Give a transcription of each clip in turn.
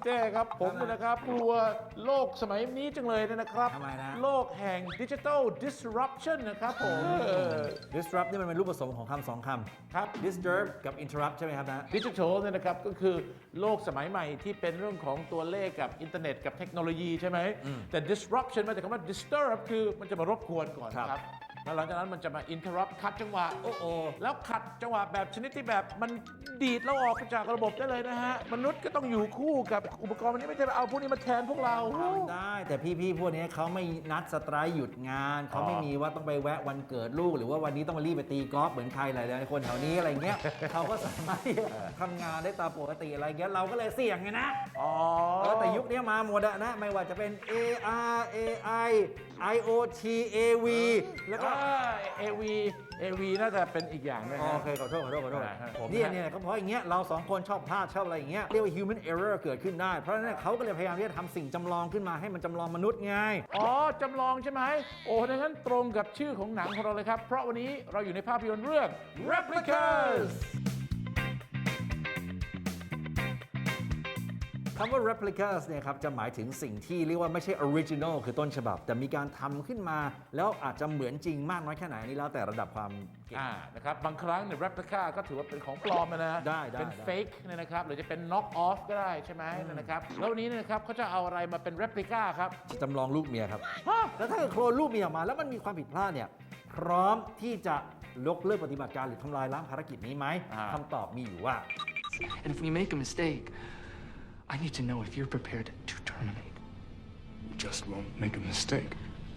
เจ้ครับผมนะครับกลัวโลกสมัยนี้จังเลยนะครับทำไมนะโลกแห่ง Digital Disruption นะครับผม disrupt นี่มันเป็นรูปผสมของคำสองคำครับ disturb กับ interrupt ใช่ไหมครับนะดิจิทัลเนี่ยนะครับก็คือโลกสมัยใหม่ที่เป็นเรื่องของตัวเลขกับอินเทอร์เน็ตกับเทคโนโลยีใช่ไหมแต่ disruption มาจากคำว่า disturb คือมันจะมารบกวนก่อนครับครับแล้วหลังจากนั้นมันจะมา interrupt ขัดจังหวะโอ้โอแล้วขัดจังหวะแบบชนิดที่แบบมันดีดเราออกจากระบบได้เลยนะฮะมนุษย์ก็ต้องอยู่คู่กับอุปกรณ์วันนี้ไม่ใช่เอาพวกนี้มาแทนพวกเราทำได้แต่พี่ๆพวกนี้เขาไม่นัดสไตร์หยุดงานเขาไม่มีว่าต้องไปแวะวันเกิดลูกหรือว่าวันนี้ต้องมารีบไปตีกอล์ฟเหมือนใครหลายๆคนแถวนี้อะไรเงี้ย เขาก็สามารถที่จะทำงานได้ตามปกติอะไรเงี้ยเราก็เลยเสี่ยงไงนะอ๋อแต่ยุคนี้มาหมดอะนะไม่ว่าจะเป็น AR AI IoT AV แล้วก็ AV น่าจะเป็นอีกอย่างนะฮะโอเคขอโทษผมเนี่ยก็เพราะอย่างเงี้ยเราสองคนชอบพลาดชอบอะไรอย่างเงี้ยเรียกว่า human error เกิดขึ้นได้เพราะฉะนั้นเขาก็เลยพยายามที่จะทำสิ่งจำลองขึ้นมาให้มันจำลองมนุษย์ไงอ๋อจำลองใช่ไหมโอ้ดังนั้นตรงกับชื่อของหนังของเราเลยครับ เพราะวันนี้เราอยู่ในภาพยนตร์เรื่อง Replicas คำว่า replicas เนี่ยครับจะหมายถึงสิ่งที่เรียกว่าไม่ใช่ original คือต้นฉบับ แต่มีการทำขึ้นมาแล้วอาจจะเหมือนจริงมากน้อยแค่ไหนอันนี้แล้วแต่ระดับความเก่งนะครับบางครั้งเนี่ย replica ก็ถือว่าเป็นของปลอมนะได้เป็น fake เนี่ยนะครับหรือจะเป็น knock off ก็ได้ใช่ไหมนะครับแล้ววันนี้เนี่ยนะครับเขาจะเอาอะไรมาเป็น replica ครับจำลองลูกเมียครับฮะแล้วถ้าเกิดโคลนลูกเมียออกมาแล้วมันมีความผิดพลาดเนี่ยพร้อมที่จะยกเลิกปฏิบัติการหรือทำลายล้างภารกิจนี้ไหมคำตอบมีอยู่ว่า And if we make a mistake, I need to know if you're prepared to terminate. We just won't make a mistake.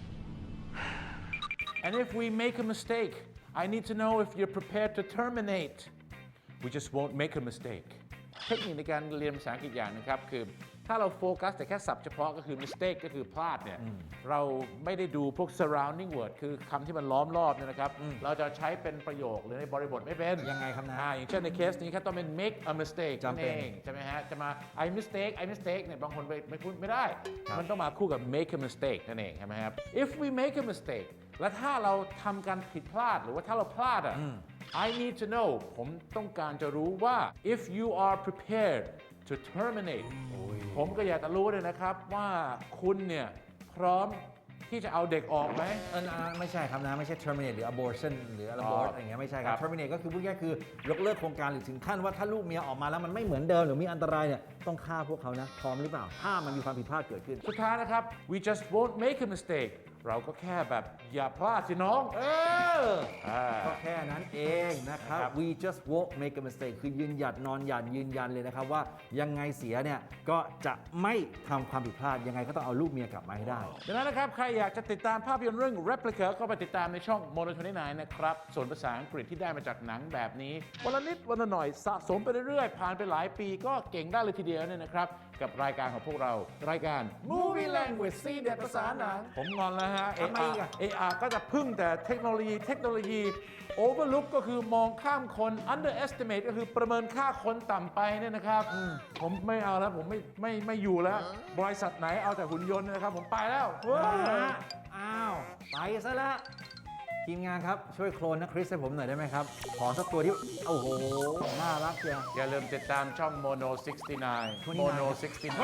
and if we make a mistake I need to know if you're prepared to terminate we just won't make a mistake เทคนิคในการเรียนภาษาอังกฤษอย่างนึงครับคือถ้าเราโฟกัสแต่แค่ศัพท์เฉพาะก็คือ mistake ก็คือพลาดเนี่ยเราไม่ได้ดูพวก surrounding word คือคำที่มันล้อมรอบเนี่ยนะครับเราจะใช้เป็นประโยคหรือในบริบทไม่เป็นยังไงครับนะอย่างเช่นในเคสนี้ครับต้องเป็น make a mistake จำเป็นนั่นเองใช่ไหมฮะจะมา I mistake เนี่ยบางคนไม่พูดไม่ได้ มันต้องมาคู่กับ make a mistake นั่นเองใช่ไหมครับ if we make a mistake และถ้าเราทำการผิดพลาดหรือว่าถ้าเราพลาดอ่ะ I need to know ผมต้องการจะรู้ว่า if you are prepared to terminate ผมก็อยากจะรู้เลยนะครับว่าคุณเนี่ยพร้อมที่จะเอาเด็กออกไหมไม่ใช่ครับนะไม่ใช่ terminate หรือ abortion หรือ abort อะไรเงี้ยไม่ใช่คครัรับบ terminate ก็คือพูดง่ายๆคือยกเลิกโครงการหรือถึงขั้นว่าถ้าลูกเมียออกมาแล้วมันไม่เหมือนเดิมหรือมีอันตรายเนี่ยต้องฆ่าพวกเขานะพร้อมหรือเปล่าถ้ามันมีความผิดพลาดเกิดขึ้นสุดท้ายนะครับ we just won't make a mistake เราก็แค่แบบอย่าพลาดสิน้องก็แค่นั้นเองนะครับครับ we just won't make a mistake คือยืนหยัดนอนหยัดยืนยันเลยนะครับว่ายังไงเสียเนี่ยก็จะไม่ทำความผิดพลาดยังไงก็ต้องเอาลูกเมียกลับมาให้ได้ดังนั้นนะครับ ใครอยากจะติดตามภาพยนตร์เรื่อง Replica ก็ไปติดตามในช่อง Mono 29 นะครับ ส่วนภาษาอังกฤษที่ได้มาจากหนังแบบนี้วันละนิดวันละหน่อยสะสมไปเรื่อยๆ ผ่านไปหลายปีก็เก่งได้เลยทีเดียวเนี่ยนะครับ กับรายการของพวกเรารายการ Movie Language ซีเด็ดภาษาหนังผมงอนแล้วฮะทำไมอีกอะ AR ก็จะพึ่งแต่เทคโนโลยี Overlook ก็คือมองข้ามคน Underestimate ก็คือประเมินค่าคนต่ำไปเนี่ยนะครับผมไม่เอาแล้วผมไม่อยู่แล้ว บริษัทไหนเอาแต่หุ่นยนต์นะครับ ผมไปแล้วอ้าวไปซะละทีมงานครับช่วยโคลนนะคริสให้ผมหน่อยได้ไหมครับขอสักตัวที่โอ้โหน่ารักเชียวอย่าลืมติดตามช่อง Mono 69 Mono 69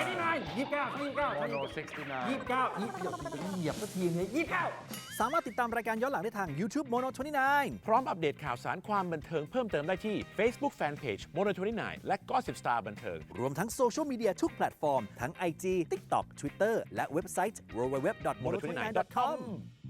Mono 69 เหยียบสักทีเนี่ย29 สามารถติดตามรายการย้อนหลังได้ทาง YouTube Mono 29 พร้อมอัปเดตข่าวสารความบันเทิงเพิ่มเติมได้ที่ Facebook Fanpage Mono 29 และ Gossip Star บันเทิงรวมทั้งโซเชียลมีเดียทุกแพลตฟอร์ม ทั้ง IG TikTok Twitter และเว็บไซต์ www.mono29.com